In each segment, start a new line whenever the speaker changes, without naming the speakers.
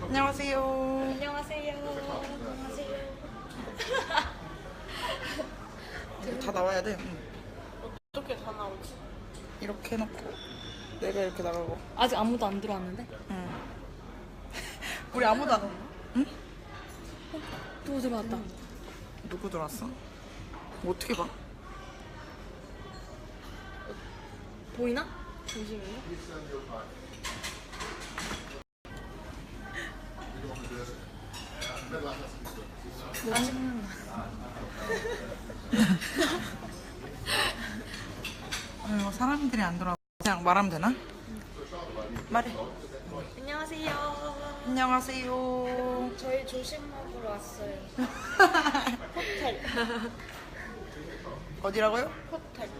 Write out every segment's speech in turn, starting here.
안녕하세요.
안녕하세요. 안녕하세요.
다 나와야 돼. 응.
어떻게 다 나오지?
이렇게 해놓고 내가 이렇게 나가고.
아직 아무도 안 들어왔는데?
응. 우리 아무도 안. 응?
또 들어왔다.
누구 들어왔어? 뭐 어떻게 봐?
보이나? 잠시만요.
사람들이 안 들어와. 그냥 말하면 되나? 말해.
안녕하세요.
안녕하세요.
저희 조식 먹으러 왔어요. 호텔.
어디라고요?
호텔.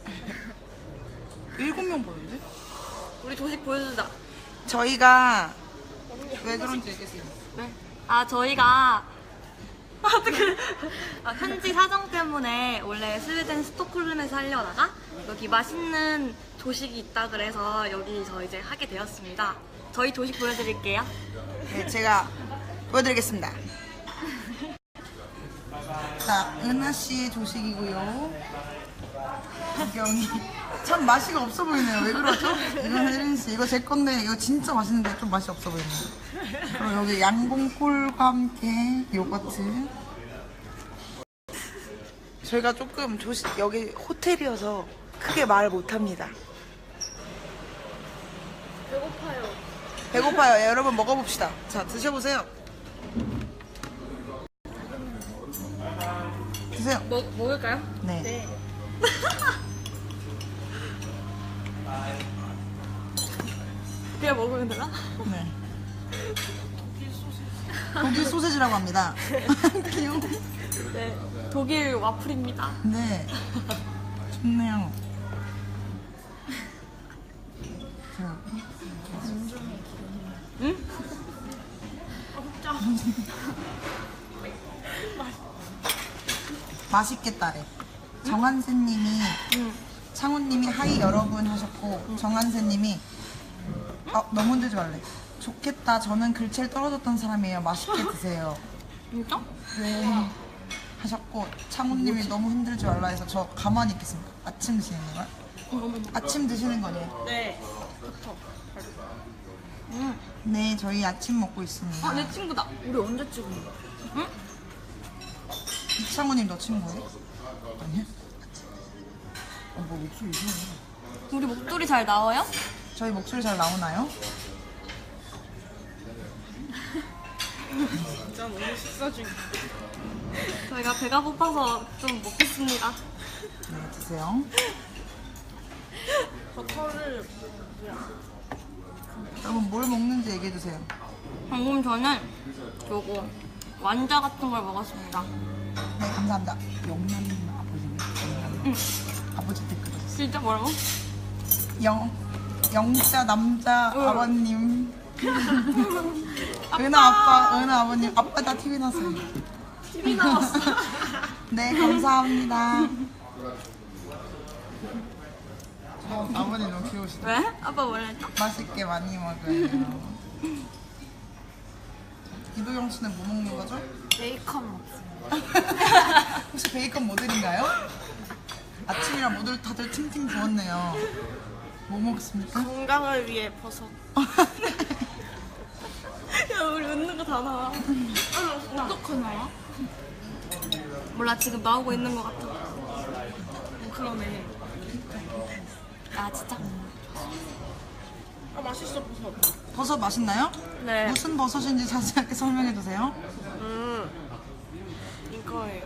7명 보는데?
우리 조식 보여주자.
저희가 왜 그런지 얘기해주세요.
네. 저희가 어떻게 현지 사정 때문에 원래 스웨덴 스톡홀름에서 하려다가 여기 맛있는 조식이 있다 그래서 여기서 이제 하게 되었습니다. 저희 조식 보여드릴게요.
네, 제가 보여드리겠습니다. 자, 은하씨의 조식이고요. 구경이 참 맛이 없어 보이네요. 왜 그러죠? 이건 혜린씨, 이거 제 건데 이거 진짜 맛있는데 좀 맛이 없어 보이네요. 그리고 여기 양봉콜과 함께 요거트. 저희가 조금 여기 호텔이어서 크게 말 못합니다.
배고파요.
배고파요. 예, 여러분 먹어봅시다. 자, 드셔보세요. 드세요.
먹을까요?
네.
그냥 먹으면 되나?
네. 독일 소세지라고 합니다. 귀여워.
네. 독일 와플입니다.
네. 좋네요. 자,
응?
맛있겠다래. 정한세님이 창훈님이 하이 여러분 하셨고 정한세님이 너무 흔들지 말래. 좋겠다. 저는 글체를 떨어졌던 사람이에요. 맛있게 드세요.
진짜?
네. 하셨고 창훈님이 너무 흔들지 말라 해서 저 가만히 있겠습니다. 아침 드시는 거야? 아침 드시는 거네요.
네. 좋다.
네, 저희 아침 먹고 있습니다.
내 친구다. 우리 언제 찍은 거야? 응?
이창훈님 너 친구예요? 아니야? 뭐 목소리 이상해.
우리 목소리 잘 나와요?
저희 목소리 잘 나오나요?
진짜 너무 식사 중. 저희가 배가 고파서 좀 먹겠습니다.
네, 드세요.
버터를
여러분 뭘 먹는지 얘기해 주세요.
방금 저는 요거 완자 같은 걸 먹었습니다.
네, 감사합니다. 영남 아버지님. 아버지 댓글 주셨어요.
진짜 뭐라고?
영자 남자 아버님. 은하 아빠, 은하 아버님. 아빠 나 TV 나왔어요.
TV 나왔어.
네, 감사합니다. 아버님 너무 귀여우시다.
왜? 아빠 뭐라 했죠?
맛있게 많이 먹어요. 이도영 씨는 뭐 먹는 거죠?
베이컨 먹습니다.
혹시 베이컨 모델인가요? 아침이라 모두 다들 팅팅 부었네요. 뭐 먹습니까?
건강을 위해 버섯. 야, 우리 웃는 거 다 나와. 어떻게 나와? 몰라, 지금 나오고 있는 것 같아. 그러네. 아, 진짜? 맛있어, 버섯.
버섯 맛있나요?
네.
무슨 버섯인지 자세하게 설명해 주세요.
이거예요.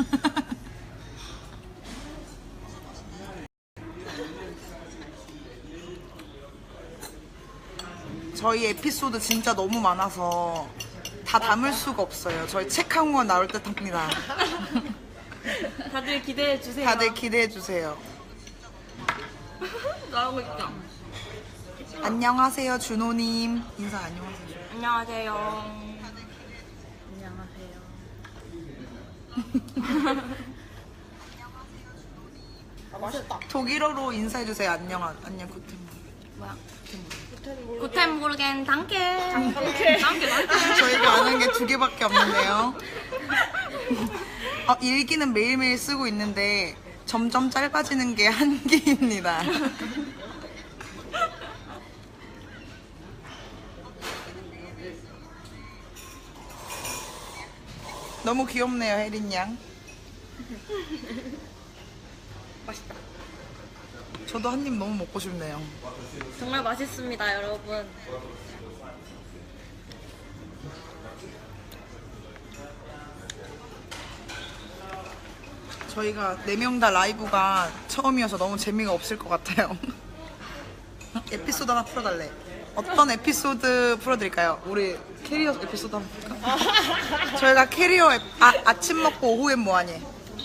저희 에피소드 진짜 너무 많아서 다 담을 수가 없어요. 저희 책 한 권 나올 듯 합니다.
다들 기대해 주세요.
다들 기대해 주세요.
나오고 있죠?
안녕하세요, 준호님. 인사 안녕하세요.
안녕하세요. 안녕하세요.
맛있다. 독일어로 인사해 주세요. 안녕, 안녕, 구텐.
뭐야? 구텐모르겐 단케. 단케.
저희가 아는 게 2개밖에 없는데요. 일기는 매일매일 쓰고 있는데 점점 짧아지는 게 한계입니다. 너무 귀엽네요, 혜린 양.
맛있다.
저도 한 입 너무 먹고 싶네요.
정말 맛있습니다, 여러분.
저희가 4명 다 라이브가 처음이어서 너무 재미가 없을 것 같아요. 에피소드 하나 풀어달래. 어떤 에피소드 풀어드릴까요? 우리 캐리어 에피소드 한번 볼까? 저희가 캐리어 아침 먹고 오후엔 뭐하니?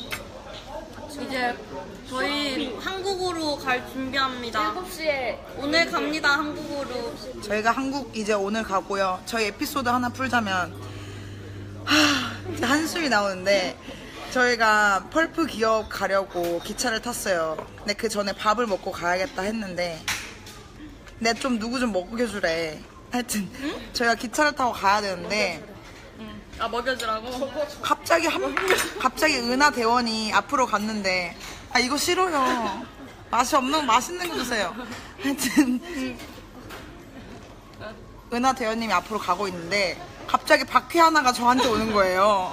이제 저희 한국으로 갈 준비합니다. 7시에 오늘 갑니다, 한국으로.
저희가 한국 이제 오늘 가고요. 저희 에피소드 하나 풀자면 이제 한숨이 나오는데 저희가 펄프 기업 가려고 기차를 탔어요. 근데 그 전에 밥을 먹고 가야겠다 했는데 내 좀 누구 좀 먹여주래. 하여튼 저희가 기차를 타고 가야 되는데
아, 먹여주라고?
갑자기 은하 대원이 앞으로 갔는데 이거 싫어요. 맛이 없는 맛있는 거 주세요. 하여튼 은하 대원님이 앞으로 가고 있는데 갑자기 바퀴 하나가 저한테 오는 거예요.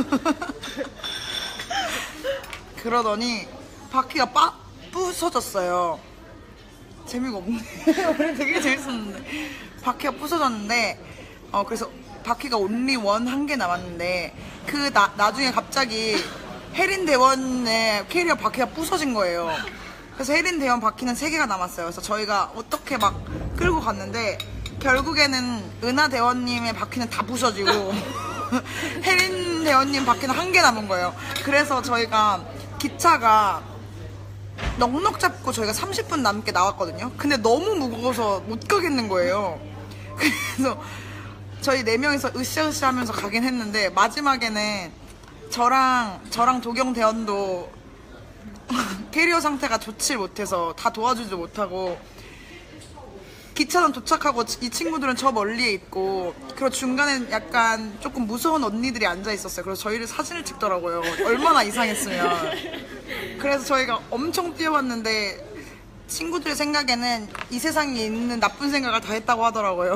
그러더니 바퀴가 부서졌어요. 재미가 없네. 원래 되게 재밌었는데 바퀴가 부서졌는데 그래서 바퀴가 온리 원 한 개 남았는데 나중에 갑자기 혜린 대원의 캐리어 바퀴가 부서진 거예요. 그래서 혜린 대원 바퀴는 3개가 남았어요. 그래서 저희가 어떻게 막 끌고 갔는데 결국에는 은하 대원님의 바퀴는 다 부서지고 혜린 대원님 바퀴는 1개 남은 거예요. 그래서 저희가 기차가 넉넉 잡고 저희가 30분 남게 나왔거든요. 근데 너무 무거워서 못 가겠는 거예요. 그래서 저희 4명이서 으쌰으쌰 하면서 가긴 했는데 마지막에는 저랑 도경 대원도 캐리어 상태가 좋지 못해서 다 도와주지 못하고 기차는 도착하고 이 친구들은 저 멀리에 있고 그리고 중간에 약간 조금 무서운 언니들이 앉아 있었어요. 그래서 저희를 사진을 찍더라고요. 얼마나 이상했으면. 그래서 저희가 엄청 뛰어왔는데 친구들 생각에는 이 세상에 있는 나쁜 생각을 다 했다고 하더라고요.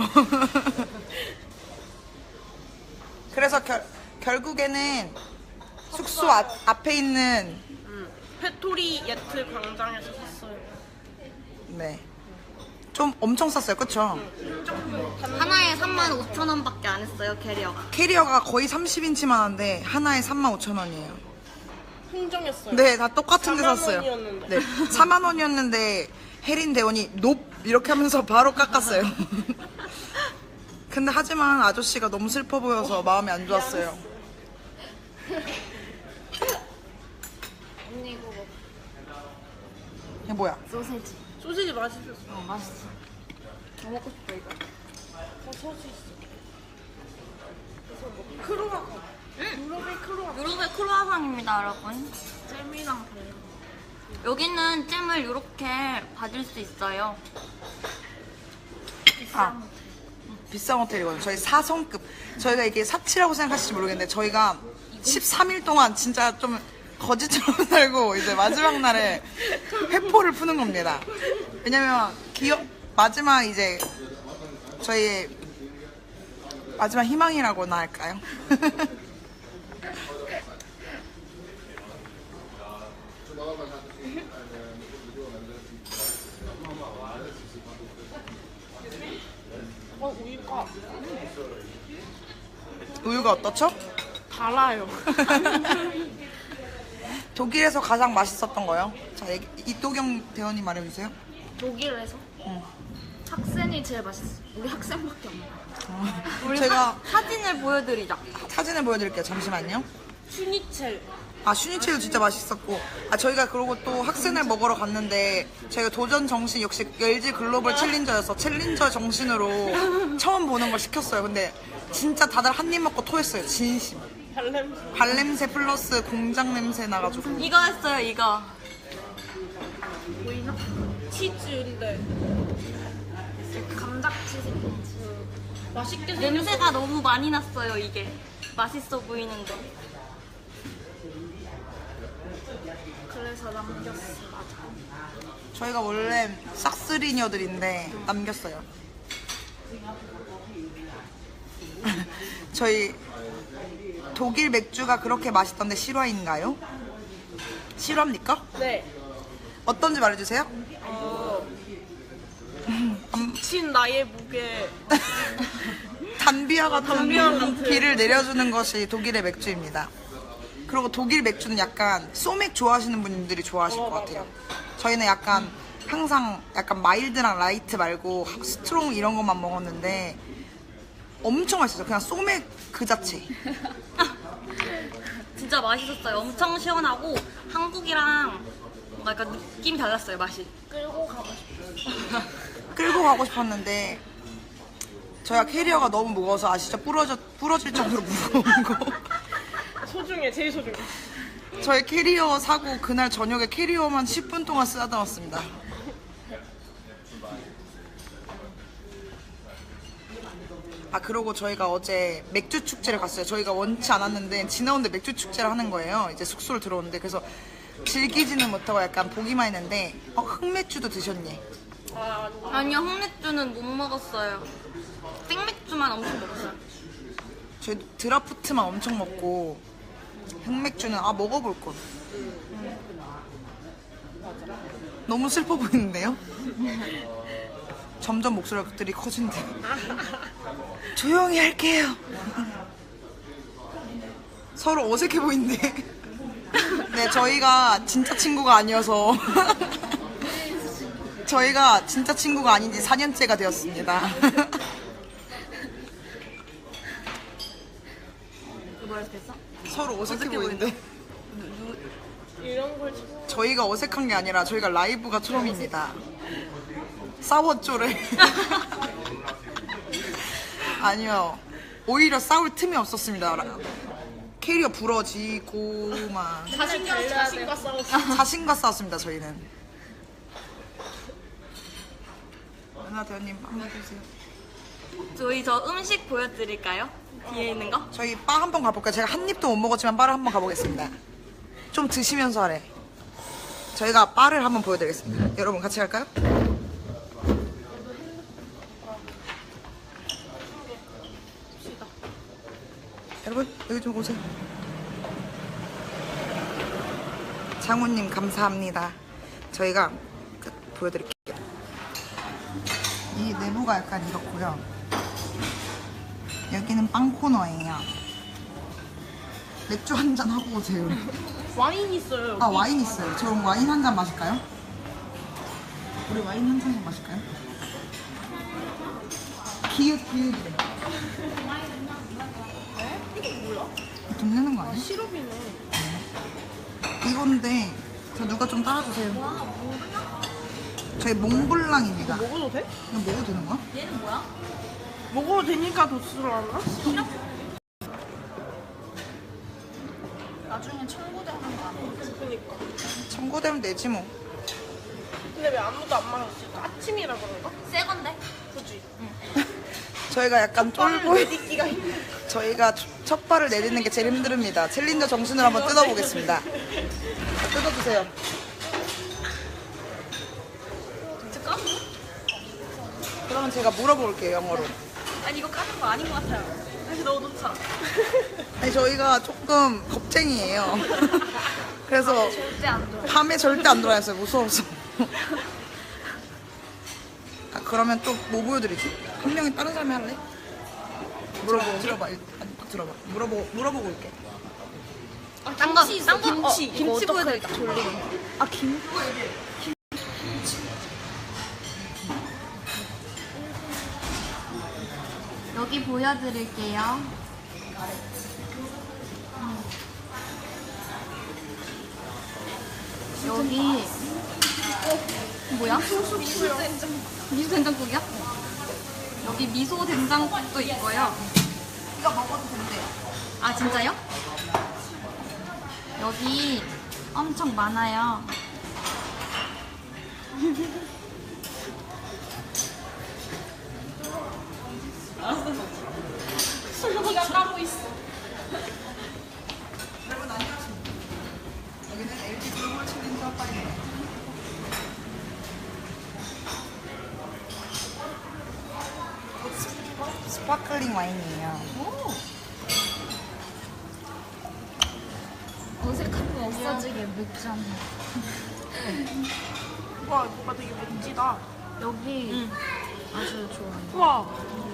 그래서 결국에는 숙소 앞에 있는
페토리 예트 광장에서 샀어요.
네. 좀 엄청 쌌어요, 그쵸?
하나에 35,000원밖에 안 했어요, 캐리어가.
캐리어가 거의 30인치만 한데 하나에 35,000원이에요.
흥정했어요.
네, 다 똑같은 데
4만
샀어요.
원이었는데.
네, 4만 원이었는데 혜린 대원이 높 이렇게 하면서 바로 깎았어요. 근데 하지만 아저씨가 너무 슬퍼 보여서 마음이 안 좋았어요.
언니 이거
이게 뭐야?
소세지.
소시지 맛있었어.
맛있어. 더 먹고 싶어, 이거.
소시지. 크로아상. 유럽의 크로아상.
유럽의 크로아상입니다, 여러분.
잼이랑 달라.
여기는 잼을 이렇게 받을 수 있어요.
비싼 호텔이거든요. 저희 4성급. 저희가 이게 사치라고 생각하실지 모르겠는데 저희가 13일 동안 진짜 좀 거지처럼 살고 이제 마지막 날에 회포를 푸는 겁니다. 왜냐면 마지막 이제 저희 마지막 희망이라고나 할까요? 우유가 어떻죠?
달아요.
독일에서 가장 맛있었던 거요? 자, 이도경 대원님 말해주세요.
독일에서 학생이 제일 맛있어. 우리 학생밖에 없네.
우리
제가
사진을 보여드리자.
사진을 보여드릴게요. 잠시만요.
슈니첼.
슈니첼도 진짜 맛있었고 저희가 그러고 또 학생을 먹으러 갔는데 저희가 도전 정신 역시 LG 글로벌 챌린저여서 챌린저 정신으로 처음 보는 걸 시켰어요. 근데 진짜 다들 한 입 먹고 토했어요. 진심. 발냄새 플러스 공장 냄새 나가지고
이거 했어요, 이거.
보이나? 치즈인데.
감자
맛있게
냄새가 너무 많이 났어요, 이게. 맛있어 보이는데.
그래서 남겼어. 맞아.
저희가 원래 싹쓸이녀들인데 남겼어요. 저희 독일 맥주가 그렇게 맛있던데 실화인가요? 실화입니까?
네.
어떤지 말해주세요.
미친 나의 무게.
단비와 같은
단비와 같은.
비를 내려주는 것이 독일의 맥주입니다. 그리고 독일 맥주는 약간 소맥 좋아하시는 분들이 좋아하실 것 같아요. 저희는 약간 항상 약간 마일드랑 라이트 말고 스트롱 이런 것만 먹었는데 엄청 맛있었어요. 그냥 소맥 그 자체.
진짜 맛있었어요. 엄청 시원하고 한국이랑 뭔가 약간 느낌이 달랐어요, 맛이.
끌고 가고 싶어.
끌고 가고 싶었는데 저희가 캐리어가 너무 무거워서 아시죠? 부러질 정도로 무거운 거.
소중해, 제일 소중해.
저희 캐리어 사고 그날 저녁에 캐리어만 10분 동안 쓰다 왔습니다. 아 그리고 저희가 어제 맥주 축제를 갔어요. 저희가 원치 않았는데 지나오는데 맥주 축제를 하는 거예요. 이제 숙소를 들어오는데 그래서 즐기지는 못하고 약간 보기만 했는데 흑맥주도 드셨니?
아니요, 흑맥주는 못 먹었어요. 생맥주만 엄청 먹었어요.
저희 드라프트만 엄청 먹고 흑맥주는 먹어볼 걸. 너무 슬퍼 보이는데요? 점점 목소리들이 커진대요. 조용히 할게요. 서로 어색해 보이는데. 네, 저희가 진짜 친구가 아니어서 저희가 진짜 친구가 아닌 지 4년째가 되었습니다.
뭐라 했어?
서로 어색해 보이는데.
이런 걸 참-
저희가 어색한 게 아니라 저희가 라이브가 처음입니다. 싸웠죠래. 아니요. 오히려 싸울 틈이 없었습니다. 캐리어 부러지고 막
자신과 싸웠어.
자신과 싸웠습니다. 저희는. 은하 대원님 한번 해주세요.
저희 저 음식 보여드릴까요? 뒤에 있는 거?
저희 바 한번 가볼까요? 제가 한 입도 못 먹었지만 바를 한번 가보겠습니다. 좀 드시면서 하래. 저희가 바를 한번 보여드리겠습니다. 여러분 같이 갈까요? 여러분 여기 좀 오세요. 장훈님 감사합니다. 저희가 보여드릴게요. 이 내부가 약간 이렇고요. 여기는 빵 코너예요. 맥주 한 잔 하고 오세요.
와인 있어요. 여기.
아 와인 있어요. 저 와인 한 잔 마실까요? 우리 와인 한 잔 마실까요? 기웃기웃이래.
이거 뭐야?
돈 내는 거 아니야?
시럽이네.
이건데 저 누가 좀 따라주세요. 저희 몽블랑입니다.
먹어도 돼?
이거 먹어도 되는 거야?
얘는 뭐야?
먹어도 되니까 도수를 하나?
나중에 청구되는 거 아니야?
그니까.
청구되면 되지 뭐.
근데 왜 아무도 안 마셨을까? 아침이라 그런가?
새 건데?
그지?
저희가 약간 쫄보.
내딛기가 힘들어.
저희가 첫 발을 내딛는 게 제일 힘듭니다. 챌린저 정신을 한번 뜯어보겠습니다. 자, 뜯어주세요. 그러면 제가 물어볼게요, 영어로.
아니 이거 까는 거 아닌 것 같아요. 다시 넣어놓자.
아니, 저희가 조금 겁쟁이에요. 그래서
절대 안 들어.
밤에 절대 안 들어왔어요, 무서워서. 아, 그러면 또 뭐 보여드리지? 한 명이 다른 사람이 할래? 들어봐. 일단 들어봐. 물어보고 올게.
딴 거, 김치 보여드릴까?
아, 김?
여기 보여드릴게요. 여기 뭐야? 미소 된장국이야? 여기 미소 된장국도 있고요.
이거 먹어도 된대요.
아 진짜요? 여기 엄청 많아요.
네가 까고 있어.
여러분 안녕하십니까. 여기는 LG 글로벌 챌린저 파이입니다. 스파클링 와인이에요.
어색한 거 없어지게 맥주 한 잔.
와, 뭐가 되게 멋지다.
여기 아주 좋아요.
우와.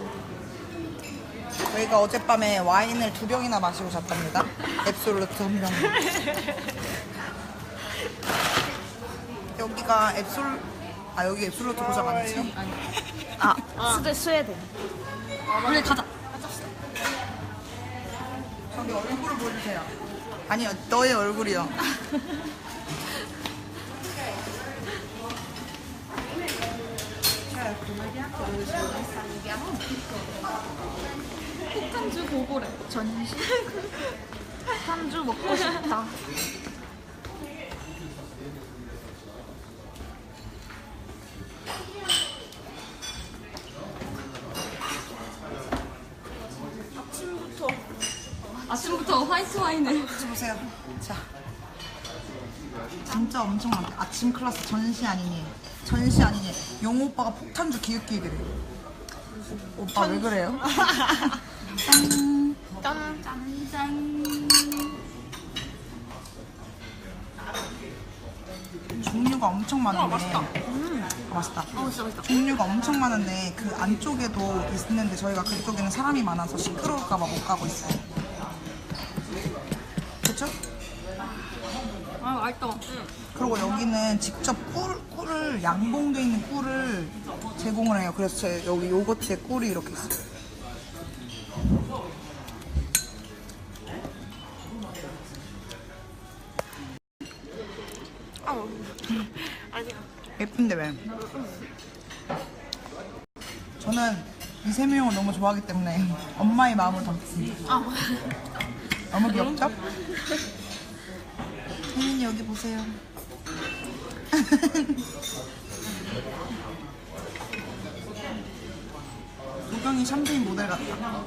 저희가 어젯밤에 와인을 2병이나 마시고 잤답니다. 앱솔루트 1병. 여기가 여기 앱솔루트 고장 아니지?
스웨덴.
그래 가자.
저기 얼굴을 보여주세요. 아니요, 너의 얼굴이요.
폭탄주 고고래. 전시. 폭탄주 먹고 싶다.
아침부터 화이트 와인을.
같이 보세요. 자, 진짜 엄청 많다. 아침 클래스 전시 아니니? 전시 아니니? 용호 오빠가 폭탄주 기웃기웃이래. 오빠 왜 그래요? 짠.
짠짠.
종류가 엄청 많은데. 맛있다. 맛있다.
진짜 맛있다.
종류가 엄청 많은데 그 안쪽에도 있는데 저희가 그쪽에는 사람이 많아서 시끄러울까봐 못 가고 있어요. 그쵸?
아 맛있다.
그리고 여기는 직접 꿀을 양봉돼 있는 꿀을 제공을 해요. 그래서 여기 요거트에 꿀이 이렇게 있어요.
아니야.
예쁜데 왜? 저는 이세명을 너무 좋아하기 때문에 엄마의 마음을 담습니다. 너무 귀엽죠? 혜민이 여기 보세요. 도경이 샴페인 모델 같다.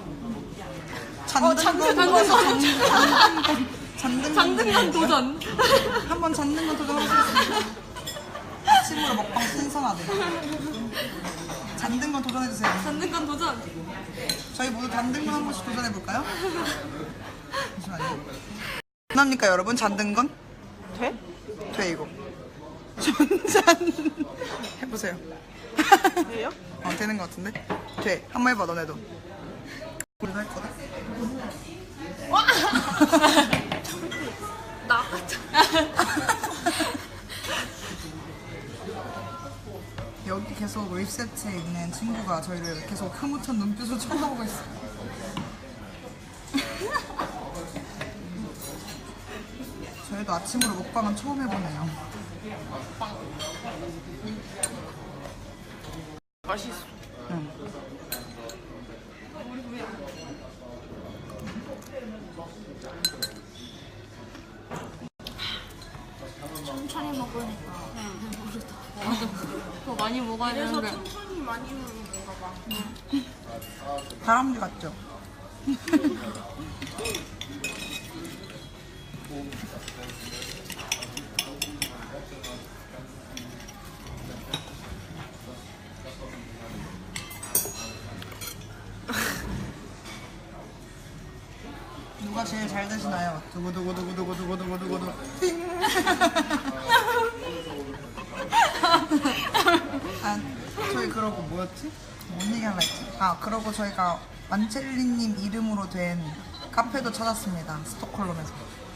장등건 도전.
한번 잡는 건 도전해보겠습니다. 아침으로 먹방 신선하대. 잡는 건 도전해주세요.
장등건 도전.
저희 모두 단등건 한 번씩 도전해볼까요? 잠시만요. 합니까 여러분? 잔등건?
돼?
돼 이거. 전잔 해보세요.
돼요?
되는 것 같은데? 돼. 한 번 해봐 너네도. 우리도 할 거다.
나.
여기 계속 리셉트에 있는 친구가 저희를 계속 흐뭇한 눈빛으로 쳐다보고 있어요. 저희도 아침으로 먹방은 처음 해보네요.
맛있어.
응.
천천히 먹으니까 배부르다.
더 많이 먹어야
그래서
되는데.
천천히 많이 먹는 건가 봐.
다람쥐 같죠? 누가 제일 잘 드시나요? 두구두구두구두구두구두구두구 띵. 아, 저희 그러고 뭐였지? 뭔 얘기 하려 했지? 아, 그러고 저희가 만첼리님 이름으로 된 카페도 찾았습니다. 스톡홀름에서.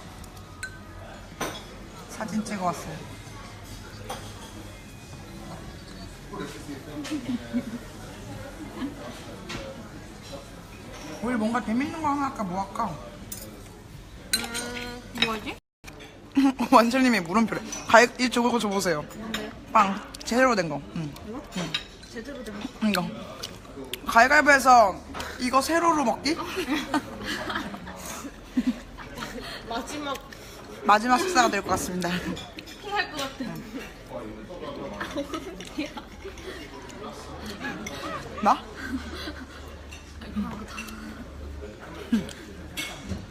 사진 찍어 왔어요. 우리 뭔가 재밌는 거 하나 할까? 뭐 할까?
뭐지?
완철님이 물음표래. 이 저거 줘보세요. 빵 제대로 된 거. 응.
제대로 된 거.
이거. 가위바위보해서 이거 세로로 먹기? 마지막 식사가 될 것 같습니다.
토할 것 같아.
나?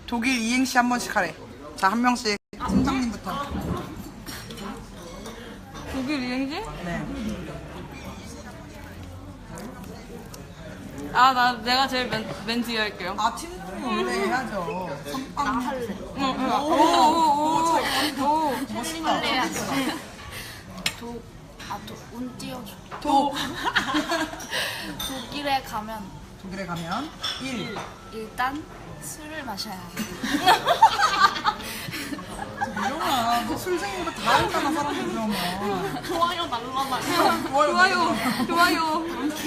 독일 이행시 한 번씩 하래. 자, 한 명씩 팀장님부터.
독일 이행시?
네.
내가 제일 맨 뒤에 할게요.
아, 팀장님 원래 해야죠. 선빵.
할래.
오.
멋있다.
운 띄워줘.
독.
독일에 가면
독일에 가면 1.
일단 술을 마셔야 해.
이영아, 너 술쟁인 거 다 알잖아, 사람들 그러면.
좋아요 날라다.
좋아요.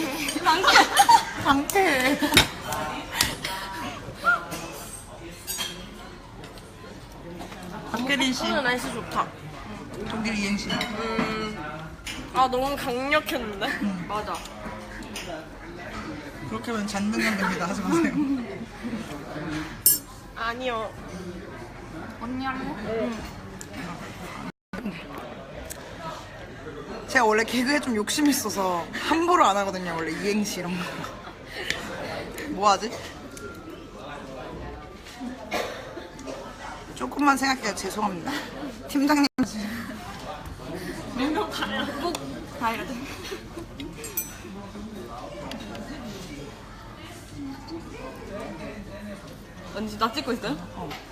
강태. 박혜린 씨,
오늘 날씨 좋다.
독일 이행시.
너무 강력했는데.
맞아.
그렇게 하면 잔등강 됩니다. 하지 마세요.
아니요.
언니 할래?
제가 원래 개그에 좀 욕심이 있어서 함부로 안 하거든요. 원래 이행시 이런 거. 뭐 하지? 조금만 생각해요. 죄송합니다. 팀장님.
꼭 가야 돼. 언니 지금 나 찍고 있어요?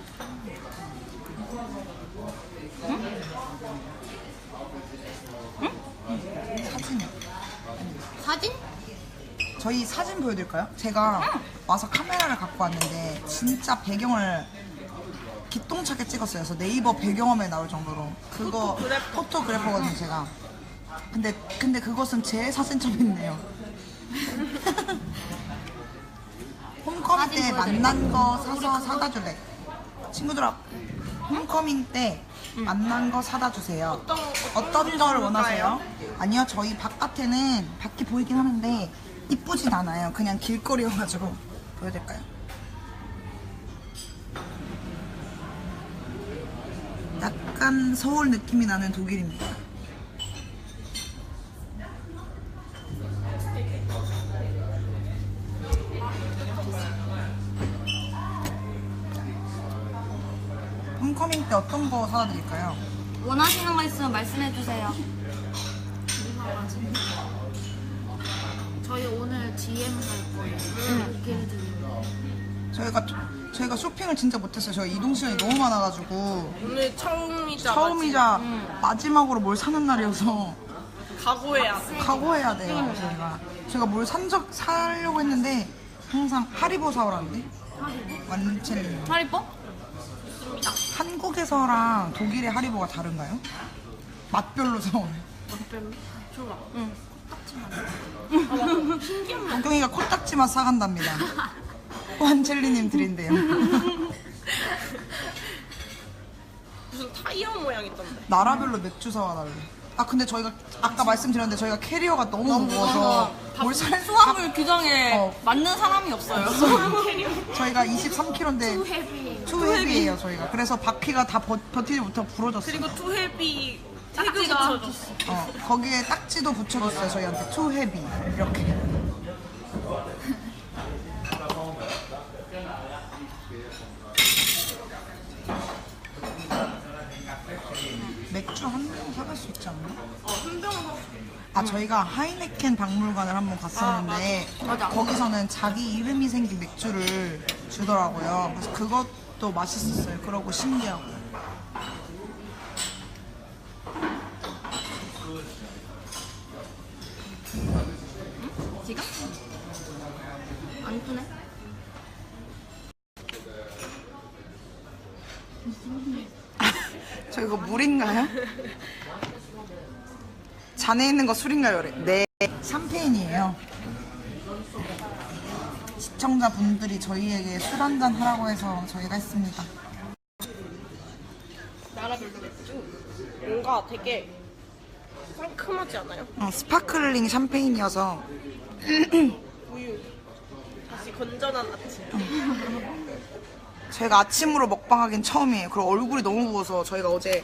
사진이요.
사진?
저희 사진 보여드릴까요? 제가 와서 카메라를 갖고 왔는데 진짜 배경을 기똥차게 찍었어요. 그래서 네이버 배경화면에 나올 정도로 그거 포토그래퍼거든요, 제가. 근데 그것은 제 사진첩이 있네요. 홈커밍 때 만난 거 사서 사다 줄래? 친구들아, 홈커밍 때 만난 거 사다 주세요. 어떤 걸 원하세요? 아니요, 저희 바깥에는 밖이 보이긴 하는데 이쁘진 않아요. 그냥 길거리여가지고. 보여드릴까요? 약간 서울 느낌이 나는 독일입니다. 홈커밍 때 어떤 거 사다 드릴까요?
원하시는 거 있으면 말씀해 주세요.
저희 오늘 DM 갈 거예요. 독일 DM.
저희가 쇼핑을 진짜 못했어요. 저희 이동 시간이 너무 많아가지고
오늘 처음이자
처음이자 마지막으로 뭘 사는 날이어서
각오해야 돼.
각오해야 돼요. 제가 뭘 사려고 했는데 항상 하리보 사오라는데 완첼리.
하리뽀?
한국에서랑 독일의 하리보가 다른가요? 맛별로 사오네.
별로 좋아.
동경이가 코딱지 맛 사간답니다. 완첼리님 드린대요.
무슨 타이어 모양 있던데.
나라별로 맥주 사와달래. 아 근데 저희가 아까 말씀드렸는데 저희가 캐리어가 너무 무거워서 뭘 살
수화물 규정에
어.
맞는 사람이 없어요.
저희가 23kg인데
헤비.
투헤비예요 저희가. 그래서 바퀴가 다 버티지 못하고 부러졌어요.
그리고 투헤비 태그
딱지가
붙여줬어.
거기에 딱지도 붙여줬어요 저희한테. 투헤비 이렇게. 맥주 한 병 사갈 수 있지 않나?
한 병은
아 저희가 하이네켄 박물관을 한번 갔었는데 거기서는 자기 이름이 생긴 맥주를 주더라고요. 그래서 그것도 맛있었어요. 그러고 신기하고.
지금? 안 이쁘네.
저 이거 물인가요? 잔에 있는 거 술인가요? 네, 샴페인이에요. 시청자분들이 저희에게 술 한잔 하라고 해서 저희가 했습니다.
나라별로 맥주. 뭔가 되게 상큼하지 않아요?
스파클링 샴페인이어서
우유. 다시 건전한 아침.
저희가 아침으로 먹방하긴 처음이에요. 그리고 얼굴이 너무 부어서 저희가 어제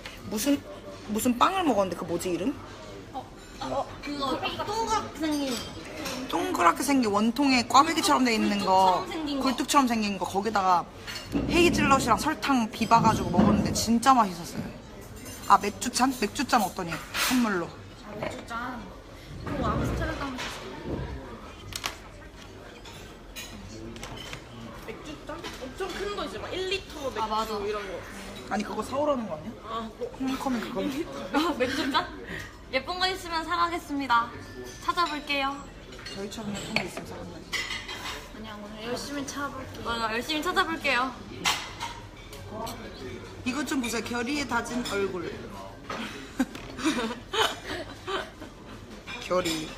무슨 빵을 먹었는데 그 뭐지 이름?
그거 동그랗게 생긴
동그랗게 생긴 원통에 꽈배기처럼 돼 있는 거,
굴뚝처럼 생긴 거.
굴뚝처럼 생긴 거 거기다가 헤이즐넛이랑 설탕 비봐가지고 먹었는데 진짜 맛있었어요. 아 맥주잔? 맥주잔 어떠니? 선물로.
맥주잔. 그리고 암스테르담
맥주잔? 엄청 큰 거 있지 막 1리터 맥주
아, 맞아.
이런 거.
아니 그거 사오라는 거 아니야?
아, 뭐.
홈커밍 그거.
맥주잔? 예쁜 거 있으면 사가겠습니다. 찾아볼게요.
저희처럼 예쁜 게 있으면 사는 거지.
그냥 오늘 열심히 찾아볼게.
맞아, 열심히 찾아볼게요.
이것 좀 보세요. 결의에 다진 얼굴. 결의.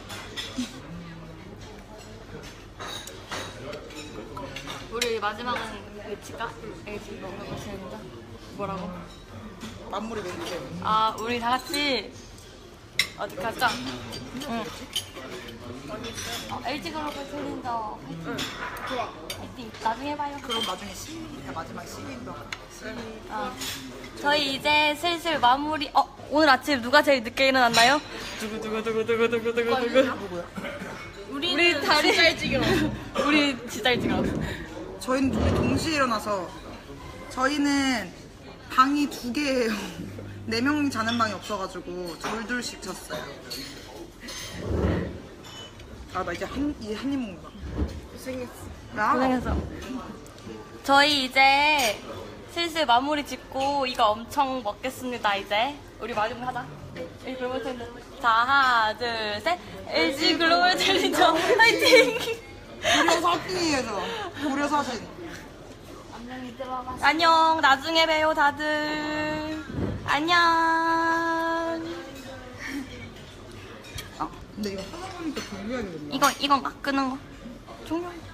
우리 마지막은 외칠까? 알겠지? 먹는 거 재밌다. 뭐라고?
만물의 멘트.
아, 우리 다 같이 어디 가자. 응. LG 글로벌 챌린저 화이팅.
좋아.
화이팅. 나중에 봐요.
그럼 나중에 시민이니까 마지막에 시민도
어. 저희 이제 슬슬 마무리. 오늘 아침 누가 제일 늦게 일어났나요? 누구. 우리 다리
진짜 일찍 일어났어.
우리 진짜 일찍 일어났어.
저희는 둘이 동시에 일어나서 저희는 방이 2개예요. 4명이 자는 방이 없어가지고 둘둘씩 잤어요. 아 나 이제 한 입 먹는다.
고생했어.
고생했어. 저희 이제 슬슬 마무리 짓고 이거 엄청 먹겠습니다. 이제 우리 마지막 하자. LG 글로벌 챌린저. 자, 하나, 둘, 셋. LG 글로벌 챌린저 화이팅.
고려 사진이에요 저. 고려 사진.
안녕. 나중에 봬요, 다들. 안녕.
아 근데 이거 하다 보니까 종료해야겠네.
이건가? 끄는 거? 종료.